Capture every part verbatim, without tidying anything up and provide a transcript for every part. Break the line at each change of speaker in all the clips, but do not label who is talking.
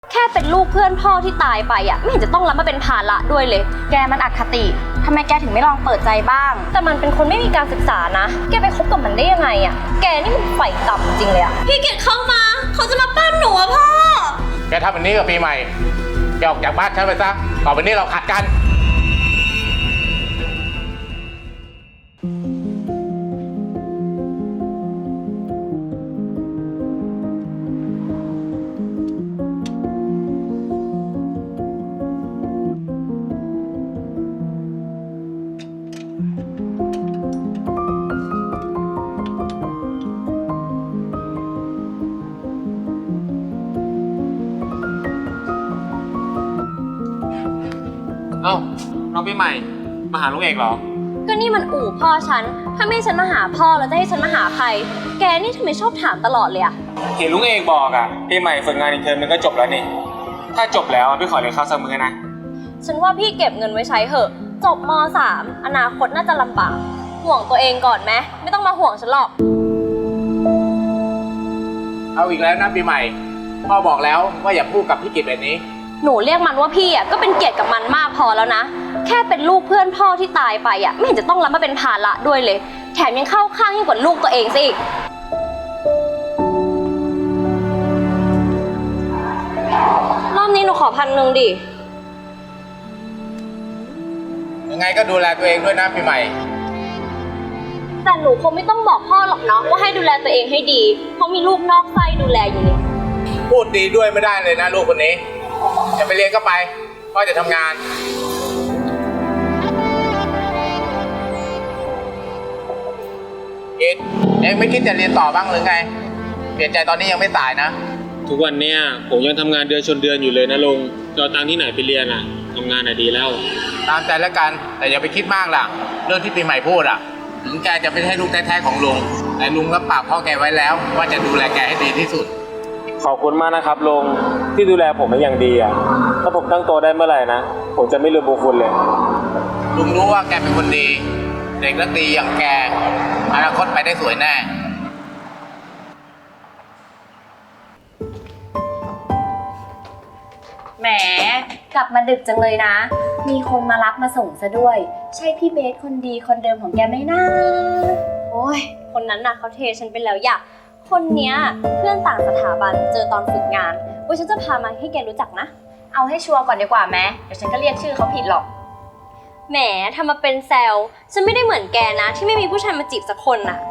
แค่เป็นลูกเพื่อนพ่อที่ตายไปอ่ะไม่เห็นจะต้องรับมาเป็นภาระด้วยเลยแกมันอคติทำไมแกถึงไม่ลองเปิดใจบ้างแต่มันเป็นคนไม่มีการศึกษานะแกไปคบกับมันได้ยังไงอ่ะแกนี่มันไฟต่ำจริงเลยอ่ะพี่เกดเข้ามาเขาจะมาปั้นหนูอะพ่อ
แกทำแบบนี้กับปีใหม่แกออกจากบ้านฉันไปซะต่อไปนี้เราขัดกัน
เอ้าน้องปีใหม่มาหาลุงเอกเหรอ
ก็นี่มันอู่พ่อฉันถ้าไม่ให้ฉันมาหาพ่อแล้วจะให้ฉันมาหาใครแกนี่ทำไมชอบถามตลอดเลยอะ
เห็นลุงเอกบอกอ่ะปีใหม่ฝึกงานอีกเทอมนึงก็จบแล้วนี่ถ้าจบแล้วพี่ขอเรียนข้าวซักมื้อนะ
ฉันว่าพี่เก็บเงินไว้ใช้เถอะจบม สาม อนาคตน่าจะลำบากห่วงตัวเองก่อนไหมไม่ต้องมาห่วงฉันหรอก
เอาอีกแล้วนะปีใหม่พ่อบอกแล้วว่าอย่าพูดกับพี่กิตแบบนี้
หนูเรียกมันว่าพี่อ่ะก็เป็นเกียรติกับมันมากพอแล้วนะแค่เป็นลูกเพื่อนพ่อที่ตายไปอ่ะไม่เห็นจะต้องรับมาเป็นภาระด้วยเลยแถมยังเข้าข้างยิ่งกว่าลูกตัวเองซะอีกรอบนี้หนูขอพันหนึ่งดิ
ยังไงก็ดูแลตัวเองด้วยนะปีใหม่
แต่หนูคงไม่ต้องบอกพ่อหรอกเนาะว่าให้ดูแลตัวเองให้ดีเพราะมีลูกนอกไส้ดูแลอยู่นี่
พูดดีด้วยไม่ได้เลยนะลูกคนนี้จะไปเรียนก็ไปพ่อจะทำงานกิตเองไม่คิดจะเรียนต่อบ้างหรือไงเปลี่ยนใจตอนนี้ยังไม่สายนะ
ทุกวันเนี้ยผมยังทำงานเดือนชนเดือนอยู่เลยนะลุงจะเอาตังค์ที่ไหนไปเรียนอ่ะทำงานอ่ะดีแล้ว
ตามใจแล้วกันแต่อย่าไปคิดมากล่ะเรื่องที่ปีใหม่พูดอ่ะถึงแกจะไม่ใช่ลูกแท้ๆของลุงแต่ลุงรับปากพ่อแกไว้แล้วว่าจะดูแลแกให้ดีที่สุด
ขอบคุณมากนะครับลุงที่ดูแลผมเป็นอย่างดีอ่ะถ้าผมตั้งตัวได้เมื่อไหร่นะผมจะไม่ลืมบุญคุณเลย
ลุงรู้ว่าแกเป็นคนดีเด็กและดีอย่างแกอนาคตไปได้สวยแน่
แหมกลับมาดึกจังเลยนะมีคนมารับมาส่งซะด้วยใช่พี่เบสคนดีคนเดิมของแกไหมนะโอ้ยคนนั้นน่ะเขาเทฉันไปแล้วอยากคนเนี้ยเพื่อนต่างสถาบันเจอตอนฝึกงานว่าฉันจะพามาให้แกรู้จักนะเอาให้ชัวร์ก่อนดีกว่าแม้เดี๋ยวฉันก็เรียกชื่อเขาผิดหรอกแหมทำมาเป็นแซวฉันไม่ได้เหมือนแกนะที่ไม่มีผู้ชายมาจีบสักคนน่ะ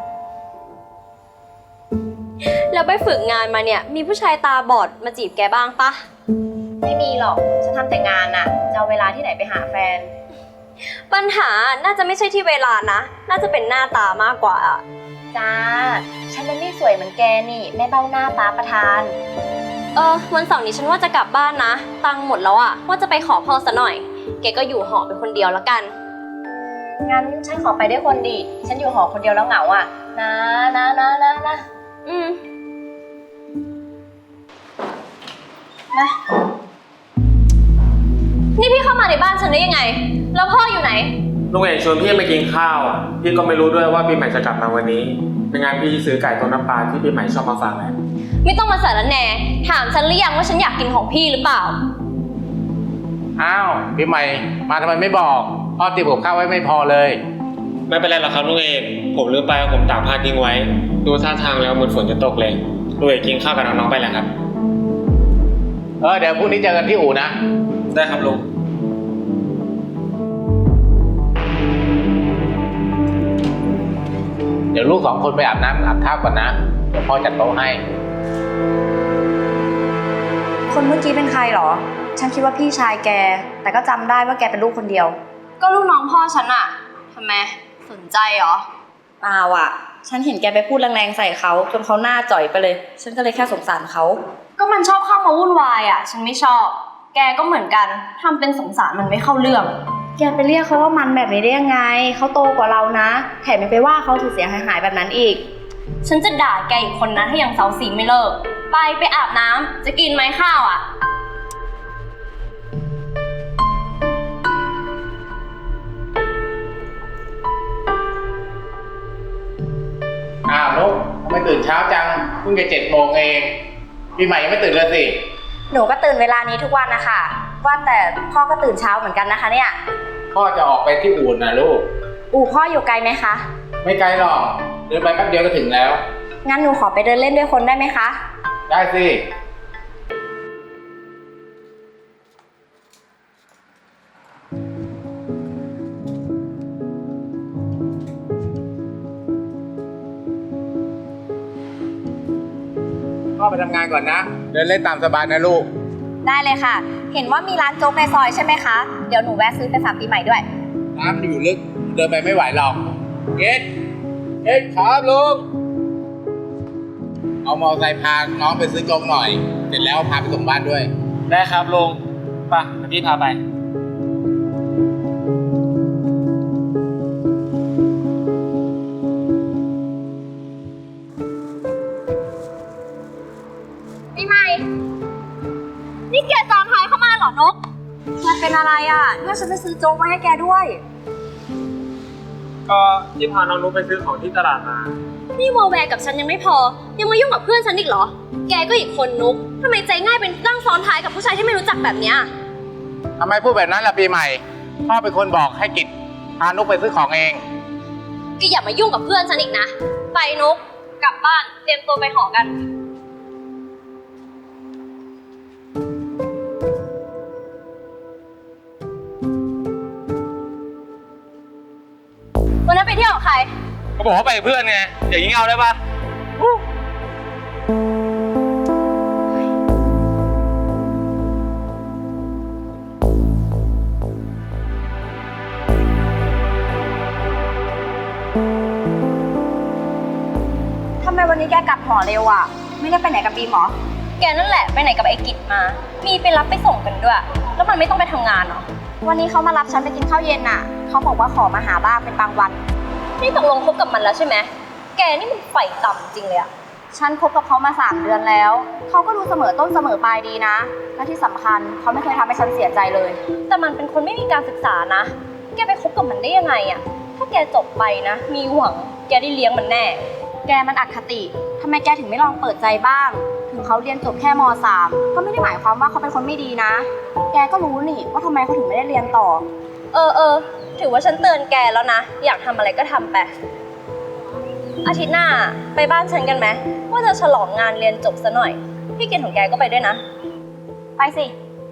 แล้วไปฝึกงานมาเนี่ยมีผู้ชายตาบอดมาจีบแกบ้างปะไม่มีหรอกฉันทำแต่งานน่ะจะเอาเวลาที่ไหนไปหาแฟนปัญหาน่าจะไม่ใช่ที่เวลานะน่าจะเป็นหน้าตามากกว่าจ้าฉันมันไม่สวยเหมือนแกนี่แม่เบ้าหน้าตาประทานเออวันเสาร์นี้ฉันว่าจะกลับบ้านนะตังค์หมดแล้วอะว่าจะไปขอพ่อซะหน่อยแกก็อยู่หอเป็นคนเดียวแล้วกันงั้นฉันขอไปด้วยคนดิฉันอยู่หอคนเดียวแล้วเหงาอะนะนะนะนะนะอืมนะนี่พี่เข้ามาในบ้านฉันได้ยังไงแล้วพ่ออยู่ไหน
ลุงเอกชวนพี่มากินข้าวอ่ะพี่ก็ไม่รู้ด้วยว่าปีใหม่จะกลับมาวันนี้เป็นงานพี่ซื้อไก่ต้มน้ำปลาที่ปีใหม่ชอบมาฝากเลย
ไม่ต้องมาสารแหน่ถามฉันหรือยังว่าฉันอยากกินของพี่หรือเปล่า
อ้าวปีใหม่มาทำไมไม่บอกพ่อเตรียมกับข้าวไว้ไม่พอเลย
ไม่เป็นไรหรอกครับลุงเอกผมลืมไปว่าผมตากผ้าทิ้งไว้ดูท่าทางแล้วเหมือนฝนจะตกเลยลุงเอกกินข้าวกับน้องๆไปแล้วครับ
เออเดี๋ยวพรุ่งนี้เจอกันที่อู่นะ
ได้ครับลุง
เดี๋ยวลูกสองคนไปอาบน้ำอาบท่าก่อนนะเดี๋ยวพ่อจัดโต๊ะให้
คนเมื่อกี้เป็นใครหรอฉันคิดว่าพี่ชายแกแต่ก็จำได้ว่าแกเป็นลูกคนเดียว
ก็ลูกน้องพ่อฉันอะทำไมสนใจเหรอ
เปล่าอ่ะฉันเห็นแกไปพูดแรงๆใส่เขาจนเขาหน้าจ่อยไปเลยฉันก็เลยแค่สงสารเขา
ก็มันชอบเข้ามาวุ่นวายอะฉันไม่ชอบแกก็เหมือนกันทำเป็นสงสารมันไม่เข้าเรื่อง
แกไปเรียกเขาว่ามันแบบนี้ได้ยังไงเขาโตกว่าเรานะแถมยังไปว่าเขาเสียหายๆแบบนั้นอีก
ฉันจะด่าแกอีกคนนะถ้ายังเซาซีไม่เลิกไปไปอาบน้ำจะกินไหมข้าวอ่ะ
อ้าวนุ๊กทำไมตื่นเช้าจังเพิ่งจะเจ็ดโมงเองปีใหม่ยังไม่ตื่นเลยสิ
หนูก็ตื่นเวลานี้ทุกวันนะคะว่าแต่พ่อก็ตื่นเช้าเหมือนกันนะคะเนี่ย
พ่อจะออกไปที่อู่นะลูก
อู่พ่ออยู่ไกลไหมคะ
ไม่ไกลหรอก เดินไปแป๊บเดียวก็ถึงแล้ว
งั้นหนูขอไปเดินเล่นด้วยคนได้ไหมคะ
ได้สิ พ่อไปทำงานก่อนนะ เดินเล่นตามสบายนะลูก
ได้เลยค่ะ เห็นว่ามีร้านโจ๊กในซอยใช่ไหมคะ เดี๋ยวหนูแวะซื้อไปฝากปีใหม่ด้วย
น้ำอยู่ลึก เดินไปไม่ไหวหรอก เกดเกดครับลุง เอามอเตอร์ไซค์พาน้องไปซื้อโจ๊กหน่อย เสร็จแล้วพาไปส่งบ้านด้วย
ได้ครับลุงไปเดี๋ยวพี่พาไป
ปีใหม่ นี่แกจองท้ายเข้ามาเหรอนก
แกเป็นอะไรอ่ะเนี่ยฉันไปซื้อโจ๊กมาให้แกด้วย
ก็ที่พาน้องนุ๊กไปซื้อของที่ตลาดมา
นี่วอลแวร์กับฉันยังไม่พอ ยังมายุ่งกับเพื่อนฉันอีกเหรอ แกก็อีกคนนุกทำไมใจง่ายเป็นนั่งซ้อนท้ายกับผู้ชายที่ไม่รู้จักแบบเนี้ย
ทำไมพูดแบบนั้นล่ะปีใหม่ พ่อเป็นคนบอกให้กิจพานุกไปซื้อของเอง
แกอย่ามายุ่งกับเพื่อนฉันอีกนะ ไปนุกกลับบ้านเตรียมตัวไปหอกัน วันนั้นไปเที่ยวกับใคร
ก็บอกว่าไปกับเพื่อนไงอย่างนี้เอาได้ปะ
ทำไมวันนี้แกกลับหอเร็วอ่ะ ไม่ได้ไปไหนกับบีมหรอ
แกนั่นแหละไปไหนกับไอ้กิจมา มีไปรับไปส่งกันด้วย แล้วมันไม่ต้องไปทำงานเหรอ
วันนี้เขามารับฉันไปกินข้าวเย็นน่ะ เขาบอกว่าขอมาหาบ้างเป็นบางวัน
นี่ตกลงคบกับมันแล้วใช่ไหม แกนี่มันไฟต่ำจริงเลยอะ
ฉันคบกับเขามาสามเดือนแล้ว เขาก็ดูเสมอต้นเสมอปลายดีนะ และที่สำคัญเขาไม่เคยทำให้ฉันเสียใจเลย
แต่มันเป็นคนไม่มีการศึกษานะ แกไปคบกับมันได้ยังไงอะถ้าแกจบไปนะ มีหวัง แกได้เลี้ยงมันแน่
แกมันอคติทำไมแกถึงไม่ลองเปิดใจบ้าง ถึงเขาเรียนจบแค่ม สาม ก็ไม่ได้หมายความว่าเขาเป็นคนไม่ดีนะ แกก็รู้นี่ว่าทำไมเขาถึงไม่ได้เรียนต่อ
เออเออ ถือว่าฉันเตือนแกแล้วนะ อยากทำอะไรก็ทำไป อาทิตย์หน้าไปบ้านฉันกันไหม ว่าจะฉลองงานเรียนจบซะหน่อย พี่เกณฑ์ของแกก็ไปด้วยนะ
ไปสิ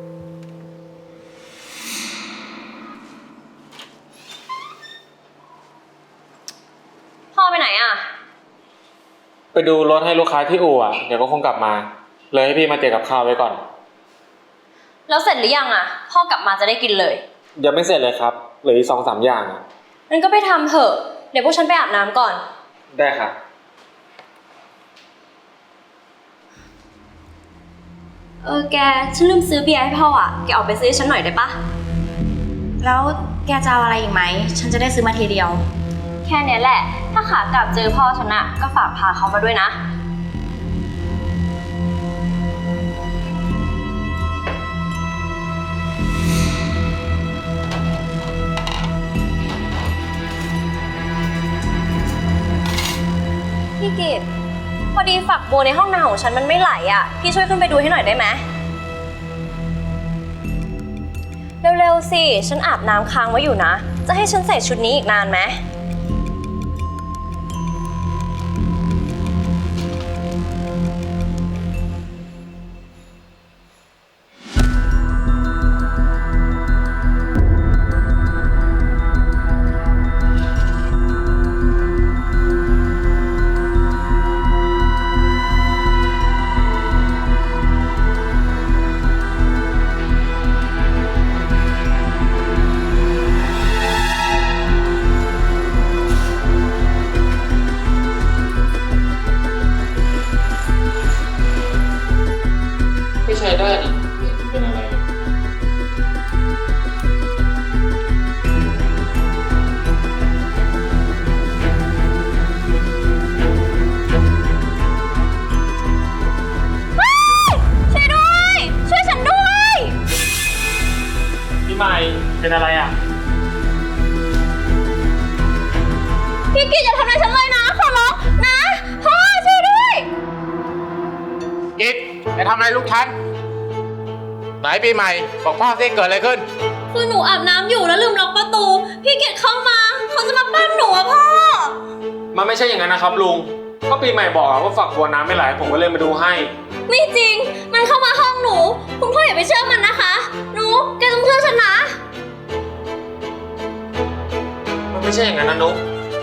พ่อไปไหนอะ
ไปดูรถให้ลูกค้าที่อู่อ่ะเดี๋ยวก็คงกลับมา เลยให้พี่มาเตรียมกับข้าวไว้ก่อน
แล้วเสร็จหรือยังอะพ่อกลับมาจะได้กินเลย
ยังไม่เสร็จเลยครับเหลืออีกสองสามอย่างอะ
งั้นก็ไปทำเถอะ เดี๋ยวพวกฉันไปอาบน้ำก่อน
ได้ครับ
เออแก ฉันลืมซื้อเบียร์ให้พ่ออะแกออกไปซื้อให้ฉันหน่อยได้ปะ
แล้วแกจะเอาอะไรอีกไหม ฉันจะได้ซื้อมาทีเดียว
แค่เนี้ยแหละ ถ้าขากลับเจอพ่อฉันอะก็ฝากพาเขามาด้วยนะ พี่กิตพอดีฝักบัวในห้องน้ำของฉันมันไม่ไหลอ่ะ พี่ช่วยขึ้นไปดูให้หน่อยได้ไหม เร็วๆสิ ฉันอาบน้ำค้างไว้อยู่นะ จะให้ฉันใส่ชุดนี้อีกนานไหม
ไม่ใช้ได้ดิเป็นอะไร
ช่วยด้วย ช่วยฉันด้วย
พี่ใหม่เป็นอะไรอ่ะ
พี่กิตอย่าทำอะไรฉันเลยนะ ขอร้องนะ พ่อช่วยด้วย
กิจจะทำอะไรลูกฉันไหนปีใหม่บอกพ่อสิเกิดอะไรขึ้น
คือหนูอาบน้ำอยู่แล้วลืมล็อกประตู พี่เกดเข้ามาเขาจะมาปั้มหนูอะพ่อ
มันไม่ใช่อย่างนั้นนะครับลุงก็ปีใหม่บอกว่าฝักบัวน้ำไม่ไหลผมก็เลยมาดูให้
ไม่จริง มันเข้ามาห้องหนู คุณพ่ออย่าไปเชื่อมันนะคะ หนูแกต้องเชื่อฉันนะ
มันไม่ใช่อย่างนั้นนะนุ๊ก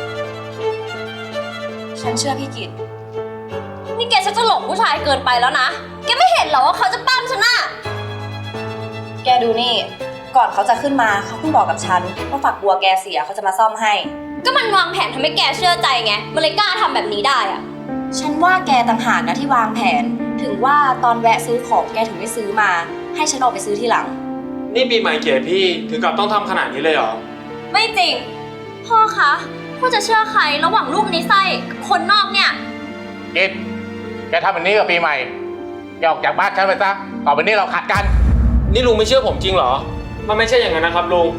ฉันเชื่อพี่กิต
นี่แกฉันจะหลงผู้ชายเกินไปแล้วนะ แกไม่เห็นเหรอว่าเขาจะปั้มฉันอะ
แกดูนี่ ก่อนเขาจะขึ้นมาเขาเพิ่งบอกกับฉันว่าฝักบัวแกเสียเขาจะมาซ่อมให้
ก็มันวางแผนทำให้แกเชื่อใจไง มันเลยกล้าทำแบบนี้ได้อะ
ฉันว่าแกต่างหากนะที่วางแผน ถึงว่าตอนแวะซื้อของแกถึงไม่ซื้อมา ให้ฉันออกไปซื้อทีหลัง
นี่ปีใหม่เกลียดพี่ถึงกับต้องทำขนาดนี้เลยเหรอ
ไม่จริง พ่อคะพ่อจะเชื่อใครระหว่างลูกในไส้กับคนนอกเนี่ย
กิดแกทำแบบนี้กับปีใหม่แกออกจากบ้านฉันไปซะต่อไปนี้เราขัดกัน
นี่ลุงไม่เชื่อผมจริงเหรอ มันไม่ใช่อย่างนั้นนะครับลุง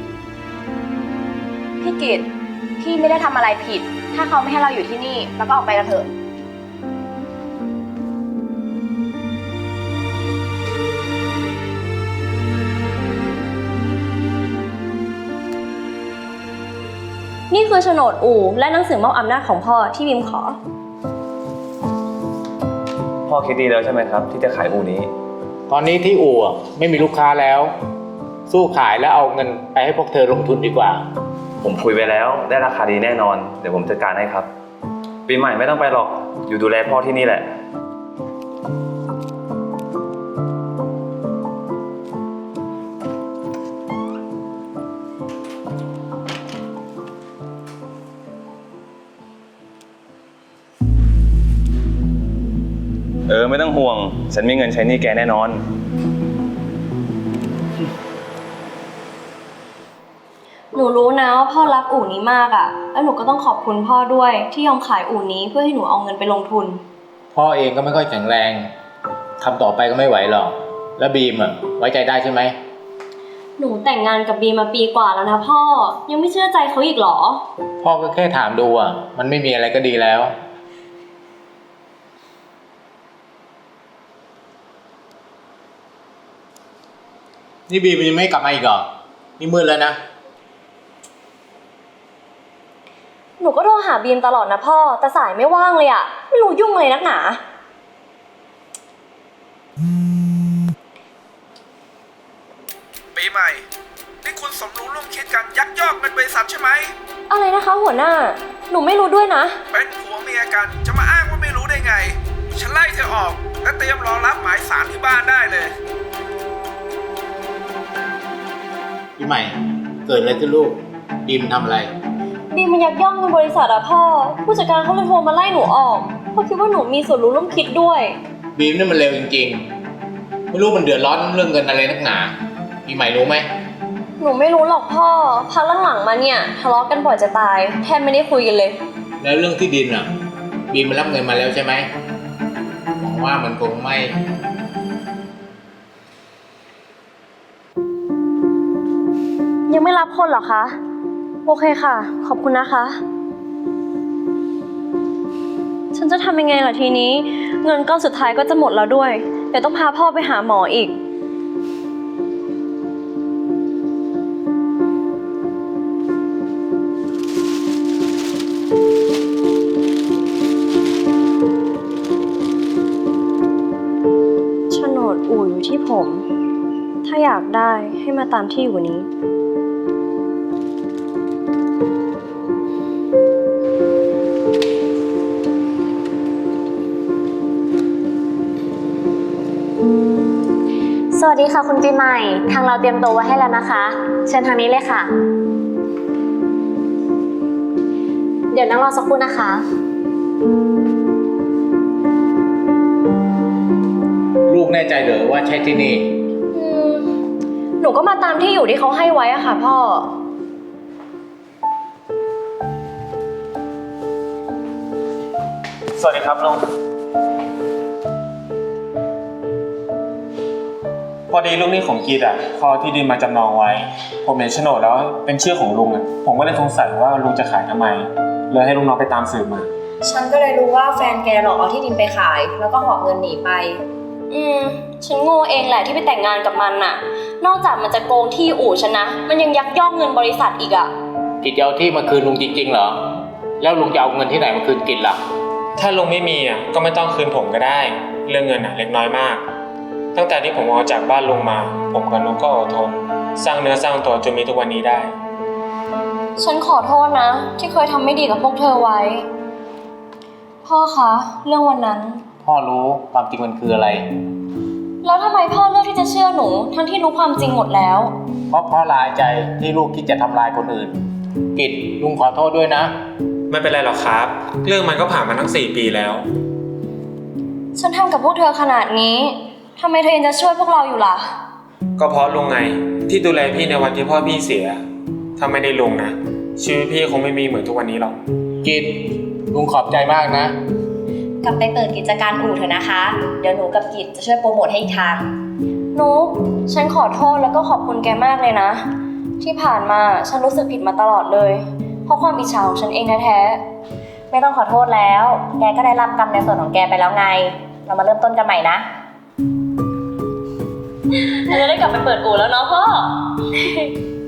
พี่กิตพี่ไม่ได้ทำอะไรผิด ถ้าเขาไม่ให้เราอยู่ที่นี่แล้วก็ออกไปกันเถอะ
นี่คือโฉนดอู่และหนังสือมอบอำนาจของพ่อที่บิมขอ
พ่อคิดดีแล้วใช่ไหมครับที่จะขายอู่นี้
ตอนนี้ที่อู่อะไม่มีลูกค้าแล้ว สู้ขายแล้วเอาเงินไปให้พวกเธอลงทุนดีกว่า
ผมคุยไปแล้วได้ราคาดีแน่นอนเดี๋ยวผมจัดการให้ครับ ปีใหม่ไม่ต้องไปหรอกอยู่ดูแลพ่อที่นี่แหละเออไม่ต้องห่วงฉันมีเงินใช้หนี้แกแน่นอน
หนูรู้นะว่าพ่อรักอู่นี้มากอะแล้วหนูก็ต้องขอบคุณพ่อด้วยที่ยอมขายอู่นี้เพื่อให้หนูเอาเงินไปลงทุน
พ่อเองก็ไม่ค่อยแข็งแรงทำต่อไปก็ไม่ไหวหรอกแล้วบีมอ่ะไว้ใจได้ใช่ไหม
หนูแต่งงานกับบีมมาปีกว่าแล้วนะพ่อ ยังไม่เชื่อใจเขาอีกเหรอ
พ่อก็แค่ถามดูอ่ะมันไม่มีอะไรก็ดีแล้วนี่บีมยังไม่กลับมาอีกเหรอนี่มืดแล้วนะ
หนูก็โทรหาบีมตลอดนะพ่อแต่สายไม่ว่างเลยอะไม่รู้ยุ่งเลยนักหนา
ปีใหม่ นี่คุณสมรู้ร่วมคิดกันยักยอกเงินบริษัทใช่ไหม
อะไรนะคะหัวหน้า หนูไม่รู้ด้วยนะ
เป็นผัวเมียกันจะมาอ้างว่าไม่รู้ได้ไง ฉันไล่เธอออกและเตรียมรอรับหมายสารที่บ้านได้เลย
พี่ใหม่เกิดอะไรขึ้นลูกบีมทำอะไร
บีมมันยักยอกเงินบริษัทอะพ่อ ผู้จัดการเขาเลยโทรมาไล่หนูออกเพราะคิดว่าหนูมีส่วนรู้ร่วมคิดด้วย
บีมนี่มันเร็วจริงๆไม่รู้มันเดือดร้อนเรื่องเงินอะไรนักหนาพี่ใหม่รู้ไหม
หนูไม่รู้หรอกพ่อพักหลังๆมาเนี่ยทะเลาะกันบ่อยจะตายแทบไม่ได้คุยกันเลย
แล้วเรื่องที่ดินอ่ะบีมมันรับเงินมาแล้วใช่ไหมหวังว่ามันคงไม่
ยังไม่รับคนเหรอคะ โอเคค่ะ ขอบคุณนะคะ ฉันจะทำยังไงล่ะทีนี้ เงินก้อนสุดท้ายก็จะหมดแล้วด้วย เดี๋ยวต้องพาพ่อไปหาหมออีก โฉนดอู่อยู่ที่ผม ถ้าอยากได้ให้มาตามที่อยู่นี้
สวัสดีค่ะคุณปีใหม่ ทางเราเตรียมโต๊ะไว้ให้แล้วนะคะ เชิญทางนี้เลยค่ะ เดี๋ยวนั่งรอสักครู่นะคะ
ลูกแน่ใจเหรอว่าใช่ที่นี่
อืม หนูก็มาตามที่อยู่ที่เขาให้ไว้อะค่ะพ่อ
สวัสดีครับลุงพอดีลูกหนี้ของกีดอ่ะเขาเอาที่ดินมาจำนองไว้ ผมเห็นโฉนดแล้วเป็นชื่อของลุงอ่ะผมก็เลยสงสัยว่าลุงจะขายทำไมเลยให้ลูกน้องไปตามสืบมา
ฉันก็เลยรู้ว่าแฟนแกหลอกเอาที่ดินไปขาย แล้วก็หอบเงินหนีไป
ออืม ฉันโง่เองแหละที่ไปแต่งงานกับมันน่ะ นอกจากมันจะโกงที่อู่ฉันนะ มันยังยักยอกเงินบริษัทอีกอะ
กิจจะเอาที่มาคืนลุงจริงๆเหรอ แล้วลุงจะเอาเงินที่ไหนมาคืนกิจล่ะ
ถ้าลุงไม่มีอ่ะก็ไม่ต้องคืนผมก็ได้ เรื่องเงินอ่ะเล็กน้อยมาก ตั้งแต่ที่ผมออกจากบ้านลุงมา ผมกับลุงก็อดทน สร้างเนื้อสร้างตัวจนมีทุกวันนี้ได้
ฉันขอโทษนะ ที่เคยทำไม่ดีกับพวกเธอไว้ พ่อคะ เรื่องวันนั้น
พ่อรู้ความจริงมันคืออะไร
แล้วทำไมพ่อเลือกที่จะเชื่อหนู ทั้งที่รู้ความจริงหมดแล้ว
เพราะพ่อลายใจที่ลูกคิดจะทำลายคนอื่น กิจลุงขอโทษด้วยนะ
ไม่เป็นไรหรอกครับ เรื่องมันก็ผ่านมาทั้งสี่ปีแล้ว
ฉันทำกับพวกเธอขนาดนี้ทำไมเธอยังจะช่วยพวกเราอยู่ล่ะ
ก็เพราะลุงไงที่ดูแลพี่ในวันที่พ่อพี่เสีย ถ้าไม่ได้ลุงนะชีวิตพี่คงไม่มีเหมือนทุกวันนี้หรอก
กิจลุงขอบใจมากนะ
กลับไปเปิดกิจการอู่เถอะนะคะ เดี๋ยวหนูกับกิจจะช่วยโปรโมทให้อีกทางนุ๊กฉันขอโทษแล้วก็ขอบคุณแกมากเลยนะ ที่ผ่านมาฉันรู้สึกผิดมาตลอดเลย เพราะความอิจฉาของฉันเองแท้ๆไม่ต้องขอโทษแล้ว แกก็ได้รับกรรมในส่วนของแกไปแล้วไง เรามาเริ่มต้นกันใหม่นะเราจะได้กลับไปเปิดอู่แล้วเนาะพ่อ